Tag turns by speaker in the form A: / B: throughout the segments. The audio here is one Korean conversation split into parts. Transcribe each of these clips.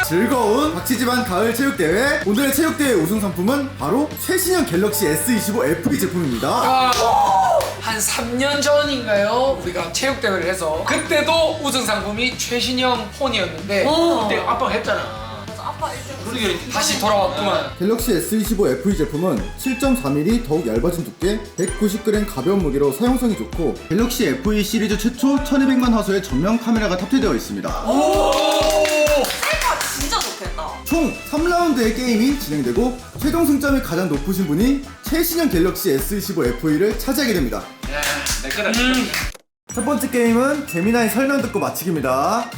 A: 즐거운 박치지반 가을 체육대회. 오늘의 체육대회 우승 상품은 바로 최신형 갤럭시 S25 FE 제품입니다.
B: 한 3년 전인가요? 우리가 체육대회를 해서 그때도 우승 상품이 최신형 폰이었는데 그때 아빠가 했잖아. 다시 돌아왔구만.
A: 갤럭시 S25 FE 제품은 7.4mm 더욱 얇아진 두께, 190g 가벼운 무게로 사용성이 좋고 갤럭시 FE 시리즈 최초 1200만 화소의 전면 카메라가 탑재되어 있습니다.
C: 셀카 진짜 좋겠다.
A: 총 3라운드의 게임이 진행되고 최종 승점이 가장 높으신 분이 최신형 갤럭시 S25 FE를 차지하게 됩니다.
D: 내 거다.
A: 첫 번째 게임은 재미나이 설명 듣고 마치기입니다.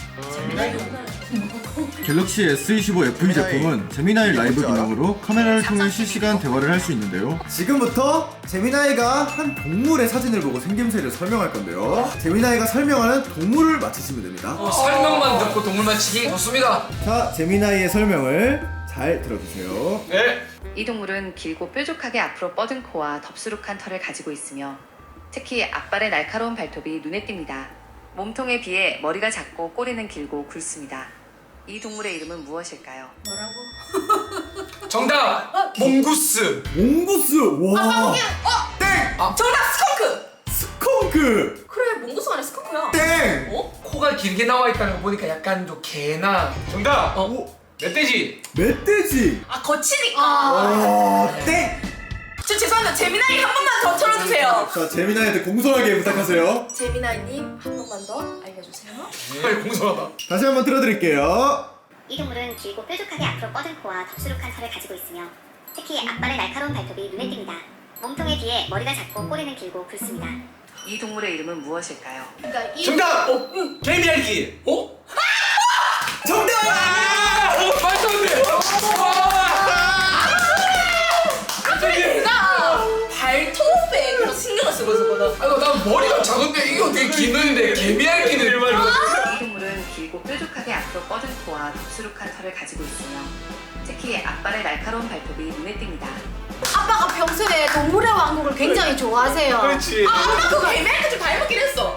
A: 갤럭시 S25 FE 제품은 재미나이 라이브 기능으로 카메라를 통해 실시간 대화를 할 수 있는데요. 지금부터 재미나이가 한 동물의 사진을 보고 생김새를 설명할 건데요. 재미나이가 설명하는 동물을 맞히시면 됩니다.
B: 설명만 듣고 동물 맞히기 좋습니다.
A: 자, 재미나이의 설명을 잘 들어주세요.
D: 네.
E: 이 동물은 길고 뾰족하게 앞으로 뻗은 코와 덥수룩한 털을 가지고 있으며 특히 앞발의 날카로운 발톱이 눈에 띕니다. 몸통에 비해 머리가 작고 꼬리는 길고 굵습니다. 이 동물의 이름은 무엇일까요?
B: 정답! 몽구스!
A: 몽구스! 와! 땡!
C: 정답 스컹크.
A: 스컹크!
C: 그래 몽고스 아니야 스컹크야.
A: 땡!
B: 코가 길게 나와 있다는 거 보니까 약간 좀 개나
D: 정답.
A: 오!
D: 멧돼지.
A: 멧돼지!
C: 아 거치니까.
A: 와! 땡!
C: 저 죄송합니다. 재미나이 한 번만 더 틀어주세요.
A: 자, 재미나이한테 공손하게 부탁하세요.
C: 재미나이님 한 번만 더 알려주세요.
B: 빨리 공손하다.
A: 다시 한번 틀어드릴게요.
F: 이 동물은 길고 뾰족하게 앞으로 뻗은 코와 덥수룩한 털을 가지고 있으며 특히 앞발의 날카로운 발톱이 눈에 띕니다. 몸통에 비해 머리가 작고 꼬리는 길고 굵습니다.
E: 이 동물의 이름은 무엇일까요?
C: 그러니까 이
D: 정답.
C: 응.
D: 개미알기.
B: 어?
A: 정답!
B: 말도 안 돼!
C: 나 발톱에 그런 신경을 쓰고 있었거든.
B: 아이고 난 머리가 작은데 이게 어떻게 기는데 개미알기는
E: 이 동물은 길고 뾰족하게 앞으로 뻗은 코와 덥수룩한 털을 가지고 있으며 특히 앞발의 날카로운 발톱이 눈에 띕니다.
G: 아빠가 평소에 동물의 왕국을 굉장히 좋아하세요.
D: 그렇지.
C: 아빠 그거 애매하게 좀 닮았긴 했어.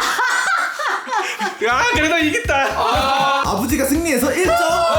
D: 야, 그래도 이겼다.
A: 아버지가 승리해서 1점!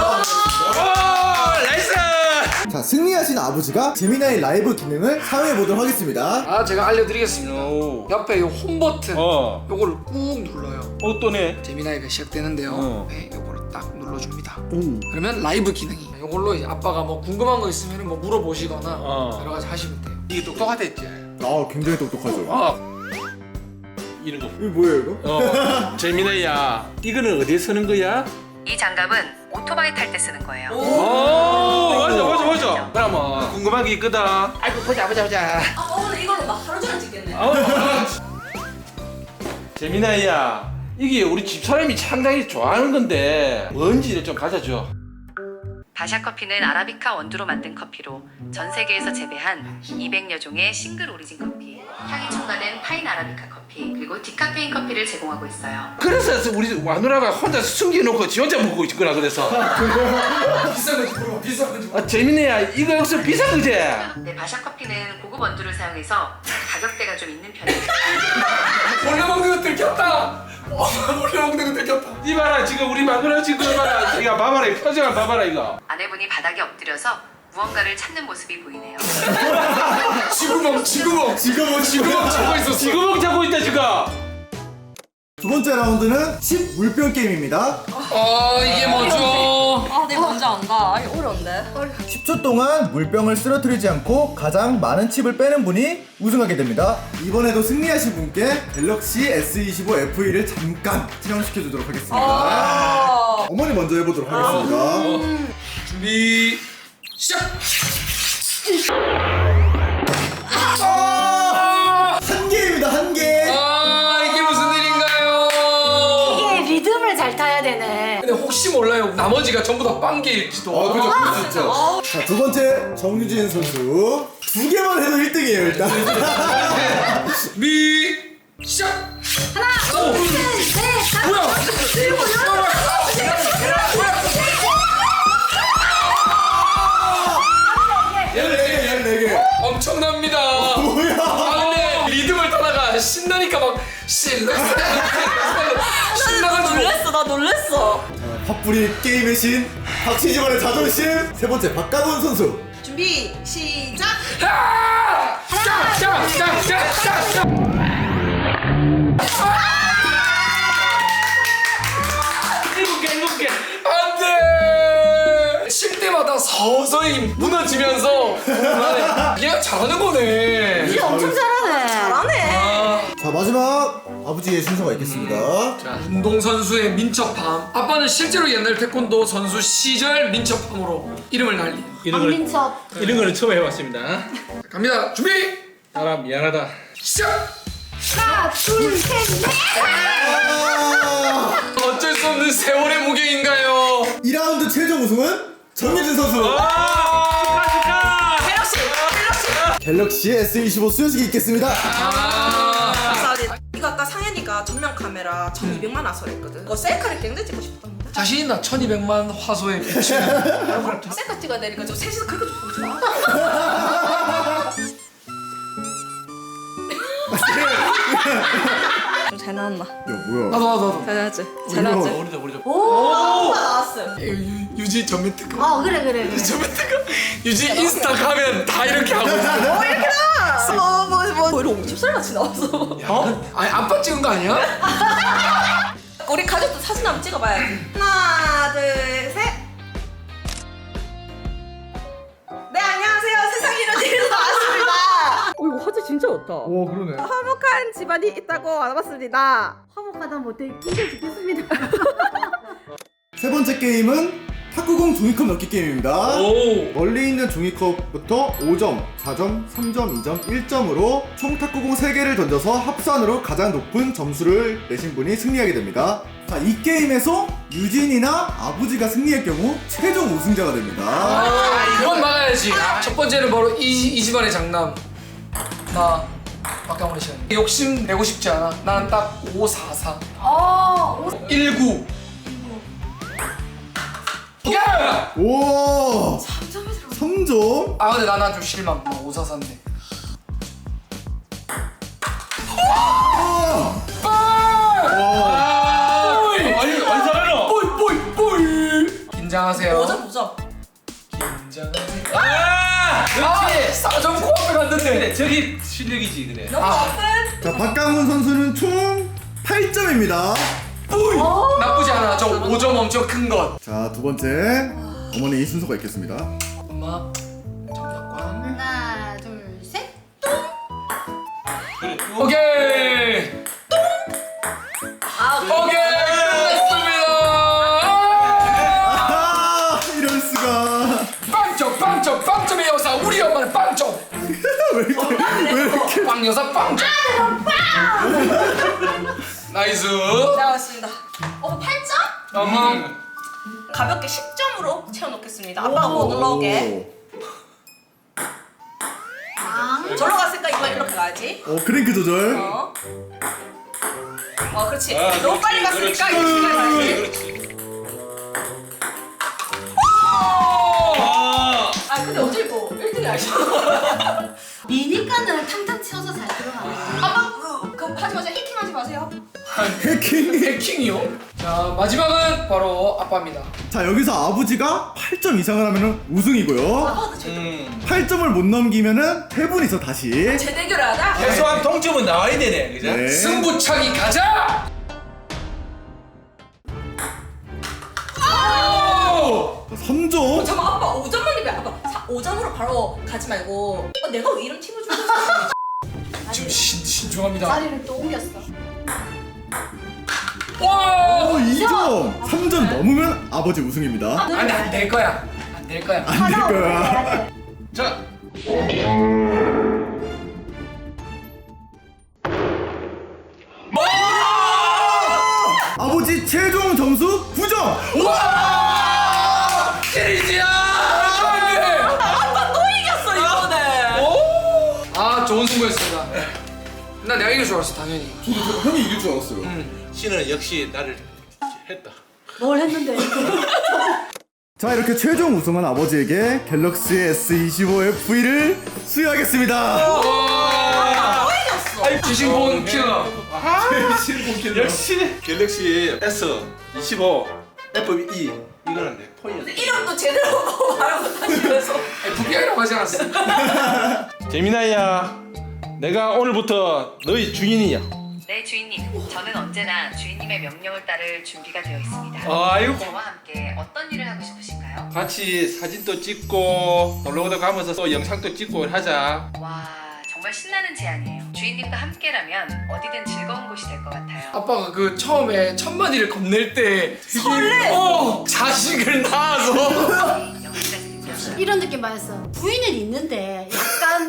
D: 오, 나이스.
A: 자, 승리하신 아버지가 재미나이 라이브 기능을 사용해 보도록 하겠습니다.
B: 아 제가 알려드리겠습니다.
D: 오.
B: 옆에 요 홈 버튼 요거를 꾹 눌러요.
D: 또네.
B: 재미나이가 시작되는데요.
D: 어.
B: 네, 요거를 딱 눌러줍니다.
A: 오.
B: 그러면 라이브 기능이 요걸로 이제 아빠가 뭐 궁금한 거 있으면 뭐 물어보시거나
D: 어.
B: 여러 가지 하시면 돼요.
D: 이게 똑똑하댔지.
A: 아, 굉장히 똑똑하죠.
D: 이런 거.
A: 이거 뭐예요, 이거?
D: 재민아야, 이거는 어디에 쓰는 거야?
E: 이 장갑은 오토바이 탈 때 쓰는 거예요.
D: 오, 맞아. 그러면 궁금한 게 있거든.
B: 아이고 보자.
C: 아 오늘 이걸로 막 하루 종일 찍겠네.
D: 재민아야, 이게 우리 집 사람이 상당히 좋아하는 건데 뭔지를 좀 가르쳐줘.
E: 바샤커피는 아라비카 원두로 만든 커피로 전 세계에서 재배한 200여 종의 싱글 오리진 커피, 향이 첨가된 파인 아라비카 커피, 그리고 디카페인 커피를 제공하고 있어요.
D: 그래서 우리 마누라가 혼자 숨겨놓고 지 혼자 먹고 있구나 그래서.
B: 비싼 건지 물어봐. 비싼 건지 물어봐.
D: 아, 재민아야, 이거 역시 비싼 거지?
E: 네, 바샤커피는 고급 원두를 사용해서 가격대가 좀 있는 편이에요.
B: 몰래 먹는 거 들켰다. 몰래 먹는 거 들켰다.
D: 이봐라, 지금 우리 마누라 지금 봐라. 이거 봐봐라, 이 표정을 봐봐라 이거.
E: 아내분이 바닥에 엎드려서 무언가를 찾는 모습이 보이네요.
B: 지구멍 찾고 있었어.
D: 지구멍 잡고 있다 지금.
A: 두 번째 라운드는 칩 물병 게임입니다.
B: 이게 뭐죠?
C: 아 내가 먼저 안다. 아 이거 어려운데.
A: 10초 동안 물병을 쓰러뜨리지 않고 가장 많은 칩을 빼는 분이 우승하게 됩니다. 이번에도 승리하신 분께 갤럭시 S25 FE를 잠깐 체험시켜 주도록 하겠습니다. 어머니 먼저 해보도록 하겠습니다.
B: 준비 시작.
A: 한 개입니다, 한 개.
B: 이게 무슨 일인가요?
G: 이게 리듬을 잘 타야 되네.
B: 근데 혹시 몰라요. 나머지가 전부 다 빵개일지도.
A: 그죠, 그럴 수 있죠. 자, 두 번째 정유진 선수. 두 개만 해도 1등이에요, 일단.
B: 준비 시작. 하나, 둘, 셋, 뭐야? 엄청납니다.
A: 뭐야?
B: 근데 리듬을 타다가 신나니까 막 신나가지고.
C: 나 놀랬어.
A: 팥뿌리 게임의 신 박씨 집안의 자존심 세 번째 박강훈 선수.
C: 준비 시작.
D: 일곱 개.
B: 안돼. 칠 때마다 서서히 무너지면서 그냥 잘하는 거네.
G: 진짜 엄청 잘하네.
C: 잘하네.
A: 자 마지막 아버지의 순서가 있겠습니다.
B: 자, 운동선수의 민첩함. 아빠는 실제로 옛날 태권도 선수 시절 민첩함으로 이름을 날린.
G: 박민첩.
D: 이런 거는 처음 해봤습니다.
B: 자, 갑니다. 준비.
D: 나라 미안하다.
B: 시작.
G: 하나, 둘, 셋, 넷.
B: 어쩔 수 없는 세월의 무게인가요?
A: 2라운드 최종 우승은 정유진 선수. 갤럭시 S25 수여식이 있겠습니다.
C: 감사합니다. 이거 아까 상현이가 전면 카메라 1200만 화소했거든. 그거 셀카를 굉장히 찍고 싶답니다.
B: 자신 있나? 1200만 화소에 비추는.
C: 셀카 찍어야 되니까 저 셋이서 그렇게 좀 보지 마. 좀 잘 나왔나?
A: 야 뭐야?
B: 나도.
C: 잘 나왔지? 잘 나왔지?
D: 우리도.
C: 오! 나왔어요.
B: 유지 전면 특급.
G: 그래.
B: 전면 특급. 유지 인스타 가면 다 이렇게 하고 있어.
C: 이렇게 나와! 거의 50살 같이 나왔어.
B: 어? 아니 아빠 찍은 거 아니야?
C: 우리 가족도 사진 한번 찍어봐야지. 하나, 둘, 셋. 네, 안녕하세요. 세상에 이런 일이 나왔습니다. 이거 화질 진짜 좋다.
A: 오 그러네.
C: 화목한 집안이 있다고 알아봤습니다.
G: 화목하다 못해 끼게 죽겠습니다.
A: 세 번째 게임은 탁구공 종이컵 넣기 게임입니다.
B: 오.
A: 멀리 있는 종이컵부터 5점, 4점, 3점, 2점, 1점으로 총 탁구공 3개를 던져서 합산으로 가장 높은 점수를 내신 분이 승리하게 됩니다. 자, 이 게임에서 유진이나 아버지가 승리할 경우 최종 우승자가 됩니다.
B: 이건 막아야지. 첫 번째는 바로 이 집안의 장남. 나 박강훈 씨. 욕심 내고 싶지 않아. 나는 딱 5, 4, 4. 1, 9. 야!
A: 오! 3점?
B: 아 근데 나는 좀 실망. 5, 4, 4인데.
D: 아니 잘하노.
B: 뽀이. 긴장하세요.
C: 5점, 5점.
B: 긴장하세요.
D: 그렇지.
B: 싸점 코앞에 갔는데.
D: 그래 저기 실력이지 그래.
C: 너무 높은.
A: 자, 박강훈 선수는 총 8점입니다.
B: 나쁘지 않아. 저 5점 엄청 큰 것.
A: 자, 두 번째. 어머니 이 순서가 있겠습니다.
B: 엄마. 정답관.
G: 하나, 둘, 셋.
B: 오케이. 오케이. 끝났습니다.
A: 아, 이럴 수가.
B: 빵점의 여사. 우리 엄마는 빵점.
A: 왜 이렇게.
B: 빵 여사 빵점. 나이스.
C: 나왔습니다. 8점? 가볍게 10점으로 채워놓겠습니다. 아빠가 못 올라오게. 절로 갔으니까 이거 이렇게 가야지.
A: 크랭크 조절.
C: 그렇지. 너무 빨리 갔으니까 이거 시간 가야지.
D: 그렇지.
C: 근데 어제 이거 1등이 아니야.
G: 미니까는 탕탕 치워서 잘 들어가네.
C: 아빠 그거 하지 마세요. 해킹하지 마세요.
B: 해킹이요? 자 마지막은 바로 아빠입니다.
A: 자, 여기서 아버지가 8점 이상을 하면 우승이고요. 8점을 못 넘기면은 세 분이서 다시.
C: 재대결을 하자.
D: 최소한 동점은 나와야 되네, 그죠?
A: 네.
B: 승부차기 가자!
A: 3점.
C: 잠깐 아빠 5점만 내면 아빠 5점으로 바로 가지 말고 내가 왜 이런 팀을 준 거야?
B: 좀 신중합니다.
G: 자리를 또 옮겼어.
B: 와!
A: 2점. 3점 넘으면 아버지 우승입니다.
B: 아니 안 될 거야. 안 될 거야.
A: 안 될 거야.
D: 자.
A: 아버지 최종 점수 9점.
B: 와! 시리즈야!
C: 아빠 또 이겼어 이번에.
B: 아 좋은 승부였습니다. 나 내가 이길 줄 알았어 당연히.
A: 형이 이길 줄 알았어요.
D: 신은 역시 나를 했다.
G: 뭘 했는데?
A: 자, 이렇게 최종 우승한 아버지에게 갤럭시 S25FE를 수여하겠습니다.
B: 지신본 킬러.
D: 역시 갤럭시 S25 FB 이거는 내 폰이었어.
C: 이름도 제대로 말 못하시면서.
B: FBI라고 하지 않았어?
D: 재민아야, 내가 오늘부터 너희 주인이야.
E: 네, 주인님. 저는 언제나 주인님의 명령을 따를 준비가 되어 있습니다.
D: 아이고.
E: 저와 함께 어떤 일을 하고 싶으신가요?
D: 같이 사진도 찍고 놀러도 가면서 또 영상도 찍고 하자.
E: 와, 정말 신나는 제안이에요. 주인님과 함께라면 어디든 즐거운 곳이 될 것 같아요.
B: 아빠가 그 처음에 천마디를 건넬 때
C: 설레.
B: 자식을 낳아서
E: 네, 여기까지입니다.
G: 이런 느낌 받았어. 부인은 있는데 약간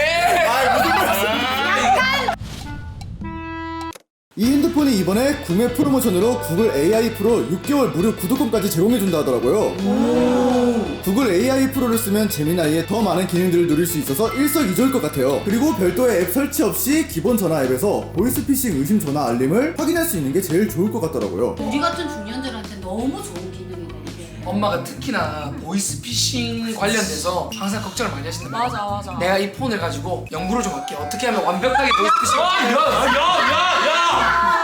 A: 이 핸드폰이 이번에 구매 프로모션으로 구글 AI 프로 6개월 무료 구독권까지 제공해준다 하더라고요. 구글 AI 프로를 쓰면 재미나이의 더 많은 기능들을 누릴 수 있어서 일석이조일 것 같아요. 그리고 별도의 앱 설치 없이 기본 전화 앱에서 보이스피싱 의심 전화 알림을 확인할 수 있는 게 제일 좋을 것 같더라고요.
G: 우리 같은 중년들한테 너무 좋은 기능이네 이게.
B: 엄마가 특히나 보이스피싱 관련돼서 항상 걱정을 많이 하신단 말이야.
C: 맞아.
B: 내가 이 폰을 가지고 연구를 좀 할게. 어떻게 하면 완벽하게 보이스피싱을
D: 야야야야!